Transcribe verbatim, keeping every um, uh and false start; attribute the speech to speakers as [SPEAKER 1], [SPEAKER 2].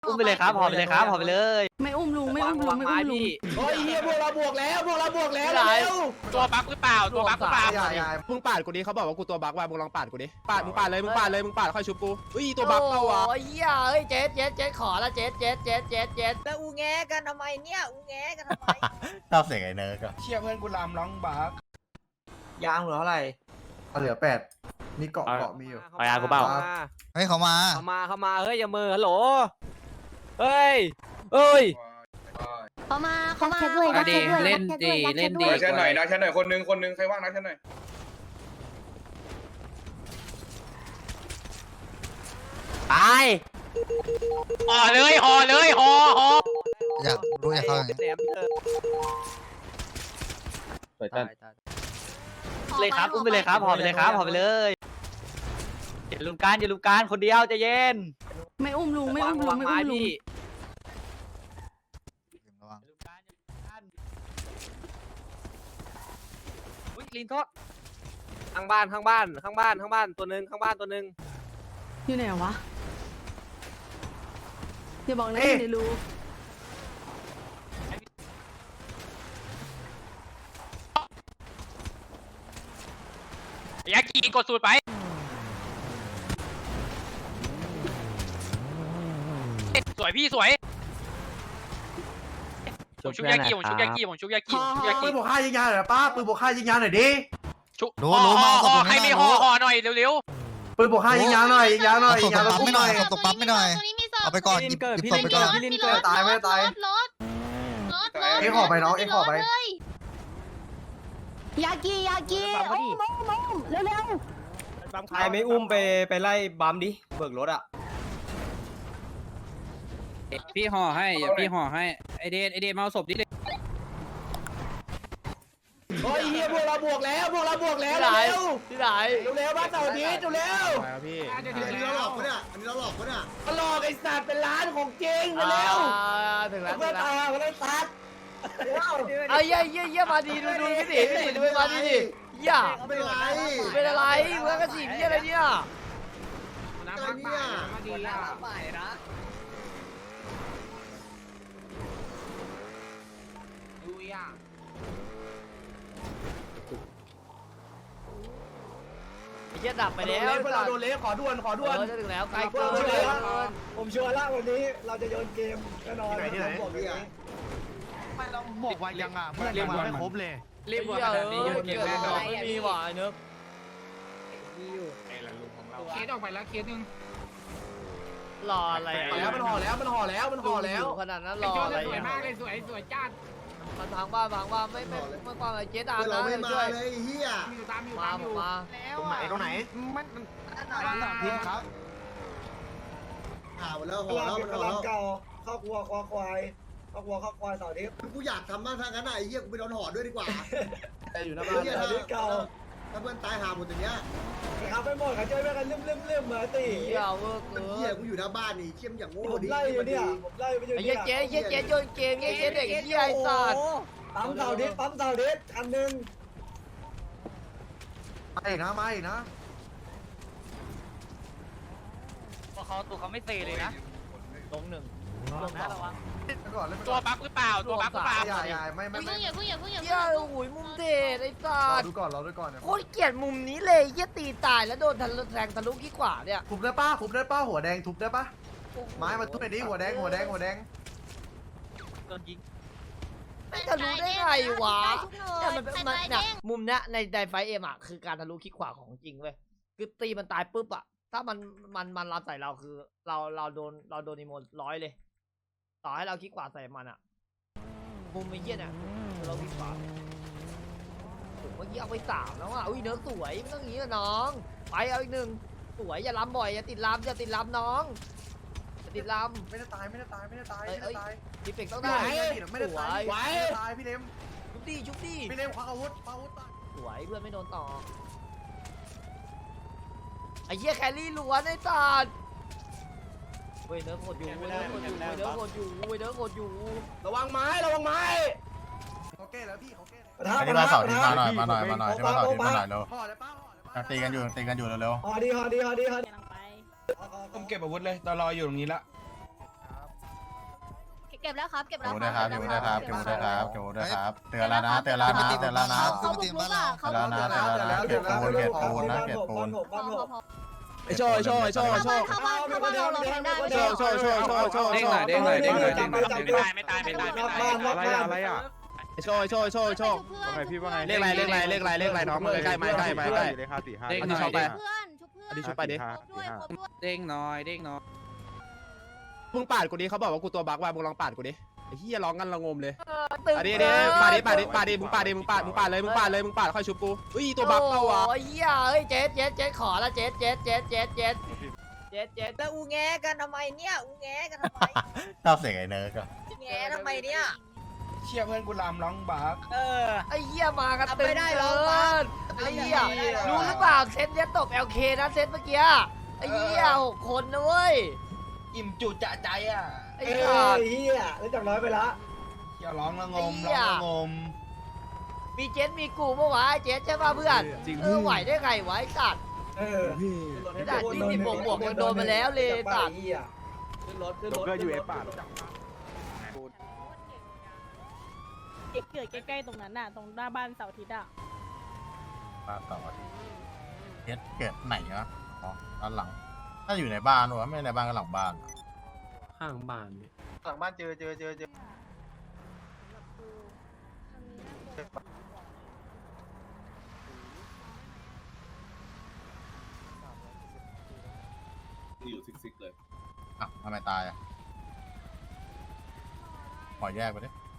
[SPEAKER 1] อุ้มไปเลยครับห่อไปเลยครับห่อไปเลย
[SPEAKER 2] ไม่อุ้มลุงไม่อุ้มลุงไม่อุ้มลุง
[SPEAKER 3] โอ้ยเฮียพวกเราบวกแล้วพวกเราบวกแล้วเร็ว
[SPEAKER 4] ตัวบั๊กหรือเปล่าตัวบั๊กหรือเปล่า
[SPEAKER 3] อย่าอย่ามึงปาดกูดิเขาบอกว่ากูตัวบั๊กว่ะมึงลองปาดกูดิปาดมึงปาดเลยมึงปาดเลยมึงปาดค่อยชุบกูอุ้ยตัวบั๊กเปล่าวะ
[SPEAKER 5] โอ้ยเหี้ยเอ้ยเจ๊เจ๊เจ๊ขอละเจ๊เจ๊เจ๊เจ๊เจ๊
[SPEAKER 6] แล้วอูแงกันทำไมเนี่ยอูแงกันทำไม
[SPEAKER 7] ชอบเสียงไอ้เนิร์กอะ
[SPEAKER 3] เชี่ยเพื่อนกูลามร้องบั๊ก
[SPEAKER 1] ยางเหลือเท่าไหร่
[SPEAKER 8] เหลือแปดมีเกาะเกาะมีอยู่
[SPEAKER 1] เอายางกูเปล่า
[SPEAKER 7] เฮ้ยเขามา
[SPEAKER 1] เข้ามาเข้ามาเฮ้ยอย่ามือฮัลโหลเฮ้ยเอ้ย
[SPEAKER 2] เขามาเขามา
[SPEAKER 9] ดักแชทด้วยเล่นดีเล่นดี
[SPEAKER 4] ดักแชทหน่อยดักแชทหน่อยคนนึงคนนึงใครว่างดักแชทหน่อย
[SPEAKER 1] ตาย
[SPEAKER 4] ห่อเลยห่อเลยห่อห่อ
[SPEAKER 7] อยากรู้อยากเข้าอย่างนี้
[SPEAKER 1] แหนมเถอะเลยครับอุ้มไปเลยครับห่อไปเลยครับห่อไปเลยอย่าลุมการอย่าลุมการคนเดียวใจเย็น
[SPEAKER 2] ไม่อุ้มลุงไม่อุ้มลุงไม่อุ้มลุง
[SPEAKER 7] ระวัง
[SPEAKER 1] อุ้ยลินโทษข้างบ้านข้างบ้านข้างบ้านข้างบ้านตัวหนึ่งข้างบ้านตัวหนึ่ง
[SPEAKER 2] อยู่ไหนวะอย่าบอกนะเดี๋ยวรู้
[SPEAKER 4] ยากีกดสูตรไปสวยพี่สวยผมชุบยากีผมชุบยากีผมชุบยากีผมชุบยากี
[SPEAKER 8] ปืนบวกค่ายิงยาหน่อยป้าปืนบวกค่ายิงยาหน่อยดิ
[SPEAKER 4] ชุบ
[SPEAKER 7] รู้รู้มาเอาศพตรง
[SPEAKER 4] ใคร
[SPEAKER 7] นี้
[SPEAKER 4] มี
[SPEAKER 7] หน่
[SPEAKER 4] ห่อ
[SPEAKER 7] อย
[SPEAKER 4] ห่อหน่อยเร็ว
[SPEAKER 8] ปืนบวกค่ายิงยาหน่อยยิงยาหน่อย
[SPEAKER 7] เอา
[SPEAKER 8] ยิ
[SPEAKER 7] ศ
[SPEAKER 8] ง
[SPEAKER 7] พ
[SPEAKER 8] ยา
[SPEAKER 7] ตรง
[SPEAKER 8] แล้ว
[SPEAKER 7] ปั๊ม
[SPEAKER 8] อุ้ม
[SPEAKER 7] ไม่
[SPEAKER 8] ห
[SPEAKER 7] หน่
[SPEAKER 8] น่
[SPEAKER 7] อ
[SPEAKER 8] อย ย
[SPEAKER 7] ศพตรงปั๊มไม่หน่อยเอาไปก่อนหยิบหยิบศพไปก่อน
[SPEAKER 2] พี่ลิน
[SPEAKER 8] ไม่ตายไม่ตาย
[SPEAKER 9] รถรถรถ
[SPEAKER 8] เอ็งขอไปน้องเอ็งขอไป
[SPEAKER 2] ยากียากีโอ้มมมเร็วเร็ว
[SPEAKER 3] ใครไม่อุ้มไปไปไล่บัมดิเบิกรถอ่ะ
[SPEAKER 9] พี่ห่อให้อย่าพี่ห่อให้ไอเดนไอเดนมาเอาศพดิ
[SPEAKER 3] โอ้ยเฮียพวกเราบวกแล้วพวกเราบวกแล้ว
[SPEAKER 5] ที่ไหน
[SPEAKER 3] เร็ว
[SPEAKER 5] ที่ไหน
[SPEAKER 3] เร็วบ้านเสาร์อาทิตย์เร็ว
[SPEAKER 8] พี่
[SPEAKER 7] อันนี้เราหลอกปะเนี่ยอันนี้เราหลอกปะเนี่ย
[SPEAKER 3] มาหลอกไอ้สัตว์เป็นร้านของจริงเร็ว
[SPEAKER 5] อ่าถึงแล้วถึ
[SPEAKER 3] เพื่อง
[SPEAKER 5] แล้ว
[SPEAKER 3] ตายมาได้ซัด
[SPEAKER 5] เอาเยี่ยเยี่ยเยี่ยมาดีดูดูพี่ดิพี่ดิดูไปมาดีดิเยี่ย
[SPEAKER 7] ไม่เป็นไร
[SPEAKER 5] เป็นอะไรเมื่อกระสีพี่อะไรเนี่ย
[SPEAKER 7] อะไรเนี่ย
[SPEAKER 5] เยี่ยดับไป
[SPEAKER 3] ไป
[SPEAKER 5] แล้
[SPEAKER 3] แล้ว วเพื่อนเราโดนเละขอด่วนขอด่วน
[SPEAKER 5] เออจะถึงแล้วไกล
[SPEAKER 3] เพื่
[SPEAKER 5] เกิ
[SPEAKER 3] อน
[SPEAKER 5] น
[SPEAKER 3] เรา
[SPEAKER 5] เลย
[SPEAKER 3] เละผมชัวร์ละวันนี้เราจะโยนเกมแน่นอน
[SPEAKER 8] ที่ไหนที่ไหน
[SPEAKER 7] บอกเนี่ย
[SPEAKER 8] ไม่เราบอกว่ายังอ่ะเพื่อนยังมาไม่ครบเลย
[SPEAKER 5] รีบขนาดนี้โยนเกมแน่นอนไม่มีหวานเนอะ
[SPEAKER 4] เคสออกไปแล้วเคสหนึ่ง
[SPEAKER 5] รออะไร
[SPEAKER 3] ห่อแล้วมันห่อแล้วมันห่อแล้วมันห่อแล้ว
[SPEAKER 5] ขนาดนั้นรออะไร
[SPEAKER 4] สวยมากเลยสวยสวยจัด
[SPEAKER 5] มันพังบ้านพังบ้านไม่ไม่ไม่ความอะไรเจ๊ดาม
[SPEAKER 7] เรา
[SPEAKER 5] นะ
[SPEAKER 7] ไม่มา
[SPEAKER 5] ช่วย
[SPEAKER 7] เลยเฮีย
[SPEAKER 4] มีอยู่ตามอยู่
[SPEAKER 5] มา
[SPEAKER 4] ตามอยู่
[SPEAKER 5] มา
[SPEAKER 8] ตรงไหนตรงไหน
[SPEAKER 4] มันมัน
[SPEAKER 8] พิมครับ
[SPEAKER 7] อ่าหมดแล้วห่อแล้วมันห่อแล้ว
[SPEAKER 3] ข้าวครัวควายควายข้าวครัวข้าวควายเสาร์อาทิตย์
[SPEAKER 7] กูอยากทำบ้างทางนั้นไอ้เฮียกูไปโดนห่อด้วยดีกว่า
[SPEAKER 3] อยู่หน้าบ้าน
[SPEAKER 7] เฮีย
[SPEAKER 3] เสา
[SPEAKER 7] ถ้า
[SPEAKER 3] ร์อาทิตย์เก่า
[SPEAKER 7] ถ้าเพื่อนตายหาหมดอย่างเงี้ย
[SPEAKER 3] ครับไปหมดเขาช่วยกันลืมลืมลืมเหมือนตี
[SPEAKER 5] เยี่ยเวอร์เกิ
[SPEAKER 7] เฮีย
[SPEAKER 5] น
[SPEAKER 7] กูอยู่หน้าบ้านนี่เชี่ยมอย่างโง่
[SPEAKER 3] ผม
[SPEAKER 7] ดิ
[SPEAKER 3] ไล่อยู่เนี่ยผมไล่ไปอยู่
[SPEAKER 5] ไอ้
[SPEAKER 3] เนี่
[SPEAKER 5] เยี่
[SPEAKER 3] ย
[SPEAKER 5] ยเจ๊เยี่ยเจ๊โยนเกมเยี่ยเจ๊เด็กเยี่ยไอ้สัตว์
[SPEAKER 3] ปั๊มเสาร์อาทิตย์ปั๊มเสาร์อาทิตย์คันหนึ่ง
[SPEAKER 8] มาอีกนะมาอีกนะ
[SPEAKER 1] เขาตัวเขาไม่เซเลยนะ
[SPEAKER 5] ลงหนึ่ง
[SPEAKER 1] ลงนะระวัง
[SPEAKER 8] ก่อนเล่น
[SPEAKER 4] ตัวบั๊กหรือเปล่าตัวบั๊กหรือเปล่า
[SPEAKER 8] อย่าอย่าไม่ไม่
[SPEAKER 9] เพิ่
[SPEAKER 8] ไม่
[SPEAKER 9] งอย่าเพิ่งอย่าเพิ่งอย่า
[SPEAKER 5] เยี่ย
[SPEAKER 9] เพิ่ง
[SPEAKER 5] โอ้ยมุมเด็ดไอ้สั
[SPEAKER 8] รอ
[SPEAKER 5] ตว์
[SPEAKER 8] ดูก่อนรอดูก่อนเนี่ย
[SPEAKER 5] โคตรเกลียดมุมนี้เลยเยี่ยตีตายแล้วโดนทะลุแทงทะลุขี้ขวาเนี่ย
[SPEAKER 8] ทุบได้ป้าทุบได้ป้าหัวแดงทุบได้ป้าไม้มาทุบหน่อยดิหัวแดงหัวแดงหัวแดง
[SPEAKER 1] โดนยิง
[SPEAKER 5] ไม่ทะลุได้ไงวะเนี่ยมันมันเนี่ยมุมเนี้ยในไดไฟเอ็มอ่ะคือการทะลุขี้ขวาของจริงเว้ยคือตีมันตายปุ๊บอ่ะถ้ามันมันมันรับใส่เราคือเราเราโดนเราโดนอีโมนร้อยเลย ต่อให้เราขี้ขวาใส่มันอ่ะมุมไอ้เหี้ยเนี่ยคือเราขี้ขวาผมเมื่อกี้เอาไปสามแล้วอ่ะอุ้ยเนื้อสวยไม่ต้องอย่างนี้นะน้องไปเอาอีกหนึ่งสวยอย่าล้ำบ่อยอย่าติดล้ำอย่าติดล้ำน้องอย่าติดล้ำ
[SPEAKER 8] ไม่ได้ตายไม่ได้ตายไม่ได้ตายไม่ได้ตาย
[SPEAKER 5] ดีเฟกต้อง
[SPEAKER 8] ไม่
[SPEAKER 5] ได้
[SPEAKER 8] ได้ไม่ได้ตายไม่ได้ตายพี่เลม
[SPEAKER 5] ชุบดีชุบดี
[SPEAKER 8] พี่เลมคว้าอาวุธคว้าอาวุธตาย
[SPEAKER 5] สวยเพื่อนไม่โดนต่อไอ้เหี้ยแครี่ล้วนไอ้สัตว์เว้ยเนื้อโคตรอยู่เว้ยเนื้อโคตรอยู่เว้ยเนื้อโคตรอยู่เว้ยเนื้อโคตรอยู่
[SPEAKER 3] ระวังไม้ระวังไม้
[SPEAKER 8] เขาแก้แล้วพี่เขาแก้
[SPEAKER 7] อันนี้มาเสาร์ที่มาหน่อยมาหน่อยมาหน่อยที่มาเสาร์ที่มาหน่อยเร็ว
[SPEAKER 8] ห่อเลยป้าห่อเลยป้า
[SPEAKER 7] ตีกันอยู่ตีกันอยู่เร็ว
[SPEAKER 3] ฮอดีฮอดีฮอดีฮอดี
[SPEAKER 6] กำลังไป
[SPEAKER 3] ผมเก็บอาวุธเลยตอนรออยู่ตรงนี้ละ
[SPEAKER 2] เก็บแล้วครับเก็บแล้ว
[SPEAKER 8] เก็บด้วยครับเก็บด้วยครับเก็บด้วยครับเก็บด้วยครับเตือนแล้วนะเตือนแล้วนะเตือนแล้วนะ
[SPEAKER 2] เขาบุกรุกอ่ะเขา
[SPEAKER 8] เตือนแล้วนะเตือนแล้วนะเก็บปูนเก็บปูนนะเก็บปูน
[SPEAKER 2] พอพอพอ
[SPEAKER 3] ไอโชว์ไอโชว์ไอโชว์ไอโชว์
[SPEAKER 2] เข้าบ้านเข้าบ้านเราเราแทงได้
[SPEAKER 3] โชว์โชว์โชว์โชว์โชว์
[SPEAKER 9] เด้งหน่อยเด้งหน่อยเด้งหน่อยเด้งหน่อยเด้งหน่อย
[SPEAKER 4] ไม่ตายไม่ตายไม่ตายไม่ตาย
[SPEAKER 7] อะไรอะอะไรอะ
[SPEAKER 3] ไอโชว์ไอโชว์ไอโชว์ไอโชว์
[SPEAKER 2] ว่าไงพี่ว่าไง
[SPEAKER 3] เลขอะไรเลขอะไรเลขอะไรเลขอะไรน้องมึงใกล้ๆมาใกล้มาใกล้
[SPEAKER 9] เด้งหน่อย
[SPEAKER 2] เพื่อนชุบเพื่อน
[SPEAKER 3] อันนี้ชุบไปดิ
[SPEAKER 2] ด้วยครบด้วย
[SPEAKER 9] เด้งหน่อยเด้งหน่อย
[SPEAKER 3] มึงปาดกูดิเขาบอกว่ากูตัวบักว่ามึงลองปาดกูดิไอ้เหี้ยร้องกันระงมเลย
[SPEAKER 5] ตึง
[SPEAKER 3] อันนี้ดิปาดดิปาดดิปาดดิมึงปาดดิมึงปาดมึงปาดเลยมึงปาดเลยมึงปาดค่อยชุบกูอุ้ยตัวบักเปล่าวะ
[SPEAKER 5] โอ้ยเหี้ยเฮ้ยเจ๊เจ๊เจ๊ขอละเจ๊เจ๊เจ๊เจ๊เจ๊เจ๊เจ๊
[SPEAKER 6] แล้วอูแงกันทำไมเนี่ยอูแงกันทำไม
[SPEAKER 8] ชอบเสียงไอ้เนิร์กอะ
[SPEAKER 6] อูแงทำไมเนี่ย
[SPEAKER 7] เชี่ยเพื่อนกูลำร้องบัก
[SPEAKER 6] เออ
[SPEAKER 5] ไอ้เหี้ยมากัน
[SPEAKER 6] ทำ
[SPEAKER 5] ตึ
[SPEAKER 6] ไม่
[SPEAKER 5] ง
[SPEAKER 6] ได้
[SPEAKER 5] เกิ
[SPEAKER 6] หรอกปั๊บ
[SPEAKER 5] นไอ้เหี้ยรู้หรือเปล่าเซตเนี้ยตบ แอล เค นะเซตเมื่อกี้ไอ้เหี้ยหกคนนะเว้ย
[SPEAKER 7] อิ่มจุดจะใจอ่ะ
[SPEAKER 5] ไอ้ขาด
[SPEAKER 7] เฮียแล้วจากร้อยไปละเฮียร้องละงมร้องละงม
[SPEAKER 5] มีเจสมีกูเมื่อวะไอ้เจสใช่ป่ะเพื่อนเออไหวได้ไงวะไอ้สัตว์
[SPEAKER 7] เออ
[SPEAKER 5] ด่านที่สิบบวกบวกยังโดนมาแล้วเลยสัตว์
[SPEAKER 7] ขึ้นรถขึ้นรถยูเอฟป่ะ
[SPEAKER 2] เกิดใกล้ๆตรงนั้นน่ะตรงหน้าบ้านเสาร์อาทิตย์อ่ะ
[SPEAKER 8] ป้าต่อทีเฮ็ดเกิดไหนวะอ๋อด้านหลังถ้าอยู่ในบ้านวะไม่ในบ้านก็หลังบ้าน
[SPEAKER 3] ข้างบ้าน
[SPEAKER 7] หลังบ้านเจอเจอเจอเจอ
[SPEAKER 10] อยู่ซิกๆเลย
[SPEAKER 8] อ่ะทำไมตายอ่ะขอแยกไปดิ